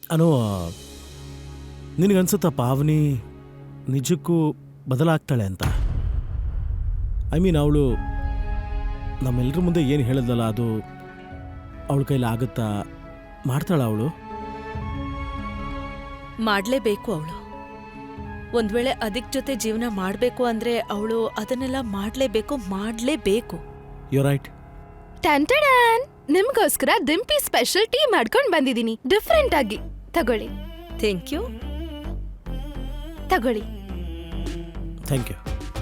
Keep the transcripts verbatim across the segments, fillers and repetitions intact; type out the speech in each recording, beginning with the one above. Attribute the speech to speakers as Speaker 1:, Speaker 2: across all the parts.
Speaker 1: ಅನೋ, ನಿನಗನ್ಸುತ್ತಾ ಪಾವನಿ ನಿಜಕ್ಕೂ ಬದಲಾಗ್ತಾಳೆ ಅಂತ? ಐ ಮೀನ್, ಅವಳು ನಮ್ಮೆಲ್ಲರ ಮುಂದೆ ಏನು ಹೇಳಿದ್ಲಲ್ಲ, ಅದು ಅವಳ ಕೈಲಿ ಆಗುತ್ತಾ? ಮಾಡ್ತಾಳ ಅವಳು?
Speaker 2: ಮಾಡಲೇಬೇಕು ಅವಳು. ಒಂದ್ ವೇಳೆ ಅದಕ್ ಜೊತೆ ಜೀವನ ಮಾಡಬೇಕು ಅಂದ್ರೆ ಅವಳು ಅದನ್ನೆಲ್ಲ ಮಾಡಲೇಬೇಕು, ಮಾಡಲೇಬೇಕು.
Speaker 1: You right.
Speaker 3: ಟಂಟಡಾನ್, ನಿಮ್ಗೋಸ್ಕರ ದಿಂಪಿ ಸ್ಪೆಷಲ್ ಟೀ ಮಾಡ್ಕೊಂಡ್ ಬಂದಿದ್ದೀನಿ, ಡಿಫ್ರೆಂಟ್ ಆಗಿ. ತಗೊಳ್ಳಿ.
Speaker 2: Thank you.
Speaker 3: ತಗೊಳ್ಳಿ.
Speaker 1: Thank you.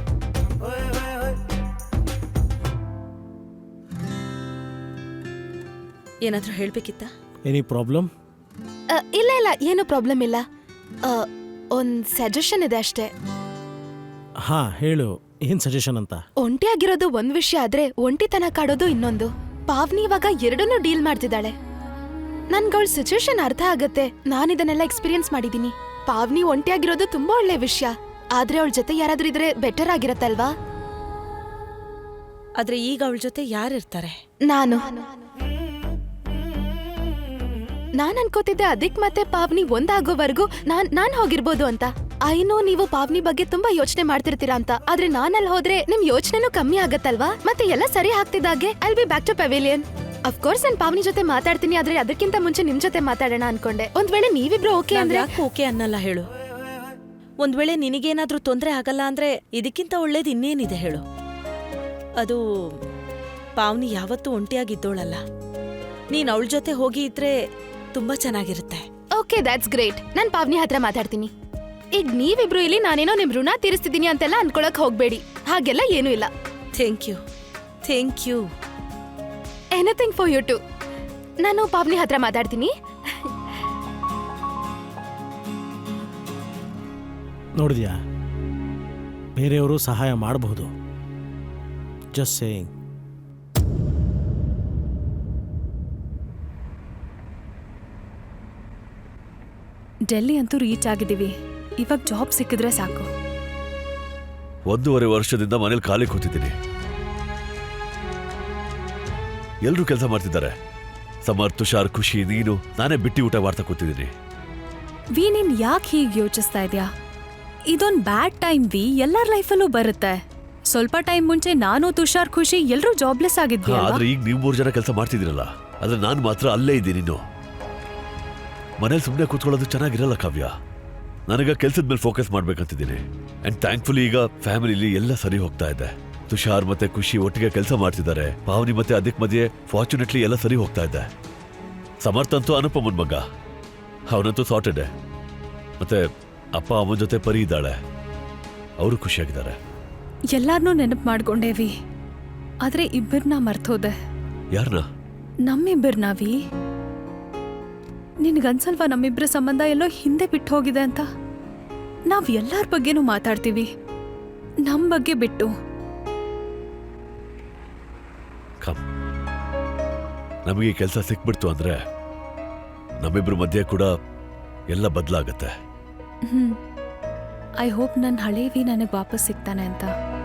Speaker 2: ಏನಾದ್ರೂ ಹೇಳ್ಬೇಕಿತ್ತ?
Speaker 1: Any problem?
Speaker 3: ಇಲ್ಲ ಇಲ್ಲ, ಏನು ಪ್ರಾಬ್ಲಮ್ ಇಲ್ಲ. ಆ, ಒಂದ್ ಸಜೆಷನ್ ಇದೆ ಅಷ್ಟೇ.
Speaker 1: ಹಾ ಹೇಳು, ಏನ್ ಸಜೆಷನ್ ಅಂತ?
Speaker 3: ಒಂಟಿಯಾಗಿರೋದು ಒಂದ್ ವಿಷಯ ಆದ್ರೆ ಒಂಟಿತನ ಕಾಡೋದು ಇನ್ನೊಂದು. ಪಾವ್ನಿ ಇವಾಗ ಎರಡನ್ನೂ ಡೀಲ್ ಮಾಡ್ತಿದ್ದಾಳೆ. ನನ್ಗವಳ ಸಿಚುವೇಶನ್ ಅರ್ಥ ಆಗತ್ತೆ, ನಾನು ಇದನ್ನೆಲ್ಲ ಎಕ್ಸ್ಪೀರಿಯನ್ಸ್ ಮಾಡಿದೀನಿ. ಪಾವ್ನಿ ಒಂಟಿಯಾಗಿರೋದು ತುಂಬಾ ಒಳ್ಳೆ ವಿಷಯ, ಆದ್ರೆ ಅವಳ ಜೊತೆ ಯಾರಾದ್ರೂ ಇದ್ರೆ ಬೆಟರ್ ಆಗಿರತ್ತಲ್ವಾ?
Speaker 2: ಆದ್ರೆ ಈಗ ಅವಳ ಜೊತೆ ಯಾರಿರ್ತಾರೆ?
Speaker 3: ನಾನು ನಾನ್ ಅನ್ಕೋತಿದ್ದೆ ಅದಿಕ್ ಮತ್ತೆ ಪಾವ್ನಿ ಒಂದಾಗೋವರೆಗೂ ನಾನ್ ನಾನ್ ಹೋಗಿರ್ಬೋದು ಅಂತ. ಐನೋ ನೀವು ಪಾವ್ನಿ ಬಗ್ಗೆ ತುಂಬಾ ಯೋಚನೆ ಮಾಡ್ತಿರ್ತೀರಾ ಅಂತ, ಆದ್ರೆ ನಾನಲ್ಲಿ ಹೋದ್ರೆ ನಿಮ್ ಯೋಚನೆನೂ ಕಮ್ಮಿ ಆಗತ್ತಲ್ವಾ? ಮತ್ತೆ ಎಲ್ಲ ಸರಿ ಆಗ್ತಿದ್ದಾಗೆ I will be back to pavilion. Of course ನಾನು ಪಾವ್ನಿ ಜೊತೆ ಮಾತಾಡ್ತೀನಿ, ಆದ್ರೆ ಅದಕ್ಕಿಂತ ಮುಂಚೆ ನಿಮ್ ಜೊತೆ ಮಾತಾಡೋಣ ಅನ್ಕೊಂಡೆ. ಒಂದ್ ವೇಳೆ ನೀವಿಬ್ರು ಓಕೆ ಅಂದ್ರೆ?
Speaker 2: ಓಕೆ ಅನ್ನಲ್ಲ ಹೇಳು. ಒಂದ್ ವೇಳೆ ನಿನಗೇನಾದ್ರೂ ತೊಂದ್ರೆ ಆಗಲ್ಲ ಅಂದ್ರೆ ಇದಕ್ಕಿಂತ ಒಳ್ಳೇದು ಇನ್ನೇನಿದೆ ಹೇಳು? ಅದು ಪಾವ್ನಿ ಯಾವತ್ತೂ ಒಂಟಿಯಾಗಿದ್ದೋಳಲ್ಲ. ನೀನ್ ಅವಳ ಜೊತೆ ಹೋಗಿ ಇದ್ರೆ ತುಂಬಾ ಚೆನ್ನಾಗಿರುತ್ತೆ.
Speaker 3: Okay, that's great. ನಾನ್ ಪಾವ್ನಿ ಹತ್ರ ಮಾತಾಡ್ತೀನಿ. ಈಗ ನೀವಿಬ್ರು ಇಲ್ಲಿ ನಾನೇನೋ ನಿಮ್ ಋಣ ತೀರಿಸ್ತಿದೀನಿ ಅಂತೆಲ್ಲ ಅನ್ಕೊಳಕ್ ಹೋಗ್ಬೇಡಿ, ಹಾಗೆಲ್ಲ ಏನೂ ಇಲ್ಲ.
Speaker 2: Thank you. Thank you.
Speaker 3: Anything for you too. ನಾನು ಪಾವ್ನಿ ಹತ್ರ ಮಾತಾಡ್ತೀನಿ.
Speaker 1: ನೋಡಿದ್ಯಾ, ಬೇರೆಯವರು ಸಹಾಯ ಮಾಡಬಹುದು. Just saying.
Speaker 4: ಡೆಲ್ಲಿ ಅಂತೂ ರೀಚ್ ಆಗಿದ್ದೀವಿ. ಇವಾಗ ಜಾಬ್ ಸಿಕ್ಕಿದ್ರೆ ಸಾಕು.
Speaker 5: ಒಂದೂವರೆ ವರ್ಷದಿಂದ ಮನೇಲಿ ಖಾಲಿ ಕೂತಿದ್ದೀನಿ. ಎಲ್ರೂ ಕೆಲಸ ಮಾಡ್ತಿದ್ದಾರೆ. ಸಮರ್, ತುಷಾರ್, ಖುಷಿ, ನೀನು. ನಾನೇ ಬಿಟ್ಟಿ ಊಟ ಮಾಡ್ತಾ ಕೂತಿದ್ದೀನಿ.
Speaker 4: ವಿ, ನೀನ್ ಯಾಕೆ ಹೀಗೆ ಯೋಚಿಸ್ತಾ ಇದ್ಯಾ? ಇದೊಂದ್ ಬ್ಯಾಡ್ ಟೈಮ್ ವಿ, ಎಲ್ಲರ ಲೈಫಲ್ಲೂ ಬರುತ್ತೆ. ಸ್ವಲ್ಪ ಟೈಮ್ ಮುಂಚೆ ನಾನು, ತುಷಾರ್, ಖುಷಿ ಎಲ್ರೂ ಜಾಬ್ಲೆಸ್ ಆಗಿದ್ವಿ.
Speaker 5: ಆದ್ರೆ ಈಗ ನೀವು ಮೂರು ಜನ ಕೆಲಸ ಮಾಡ್ತಿದ್ದೀರಲ್ಲ, ಆದ್ರೆ ನಾನು ಮಾತ್ರ ಅಲ್ಲೇ ಇದ್ದೀನಿ. ಇನ್ನು ಮನೇಲಿ ಸುಮ್ಮನೆ ಕೂತ್ಕೊಳ್ಳೋದು ಚೆನ್ನಾಗಿರಲ್ಲ ಕಾವ್ಯ. ನನಗ ಕೆಲ್ಸದ ಮೇಲೆ ಫೋಕಸ್ ಮಾಡ್ಬೇಕಂತಿದ್ದೀನಿ. ಅಂಡ್ ಥ್ಯಾಂಕ್ಫುಲಿ ಈಗ ಫ್ಯಾಮಿಲಿಲಿ ಎಲ್ಲ ಸರಿ ಹೋಗ್ತಾ ಇದೆ. ತುಷಾರ್ ಮತ್ತೆ ಖುಷಿ ಒಟ್ಟಿಗೆ ಕೆಲಸ ಮಾಡ್ತಿದ್ದಾರೆ. ಪಾವನಿ ಮತ್ತೆ ಅದಕ್ಕೆ ಮಧ್ಯೆ ಫಾರ್ಚುನೇಟ್ಲಿ ಎಲ್ಲ ಸರಿ ಹೋಗ್ತಾ ಇದೆ. ಸಮರ್ಥ ಅಂತೂ ಅನುಪಮನ್ ಮಗ, ಅವನಂತೂ ಸಾರ್ಟೆಡ್. ಮತ್ತೆ ಅಪ್ಪ ಅಮ್ಮನ ಜೊತೆ ಪರಿ ಇದ್ದಾಳೆ, ಅವರು ಖುಷಿಯಾಗಿದ್ದಾರೆ.
Speaker 4: ಎಲ್ಲಾರ್ನೂ ನೆನಪು ಮಾಡ್ಕೊಂಡೇವಿ, ಆದ್ರೆ ಇಬ್ಬರನ್ನ ಮರ್ತೋದೆ.
Speaker 5: ಯಾರನ್ನ?
Speaker 4: ನಮ್ಮಿಬ್ಬರನ್ನ ವಿ. ನಿನ್ಗನ್ಸಲ್ವಾ ನಮ್ಮಿಬ್ಬರ ಸಂಬಂಧ ಎಲ್ಲೋ ಹಿಂದೆ ಬಿಟ್ಟು ಹೋಗಿದೆ ಅಂತ? ನಾವ್ ಎಲ್ಲಾರ ಬಗ್ಗೆನೂ ಮಾತಾಡ್ತೀವಿ, ನಮ್ ಬಗ್ಗೆ ಬಿಟ್ಟು.
Speaker 5: ನಮಗೆ ಕೆಲಸ ಸಿಕ್ಬಿಡ್ತು ಅಂದ್ರೆ ನಮ್ಮಿಬ್ರ ಮಧ್ಯೆ ಕೂಡ ಎಲ್ಲ ಬದಲಾಗತ್ತೆ.
Speaker 4: ಹ್ಮ್ ಐ ಹೋಪ್ ನನ್ನ ಹಳೇವಿ ನನಗೆ ವಾಪಸ್ ಸಿಗ್ತಾನೆ ಅಂತ.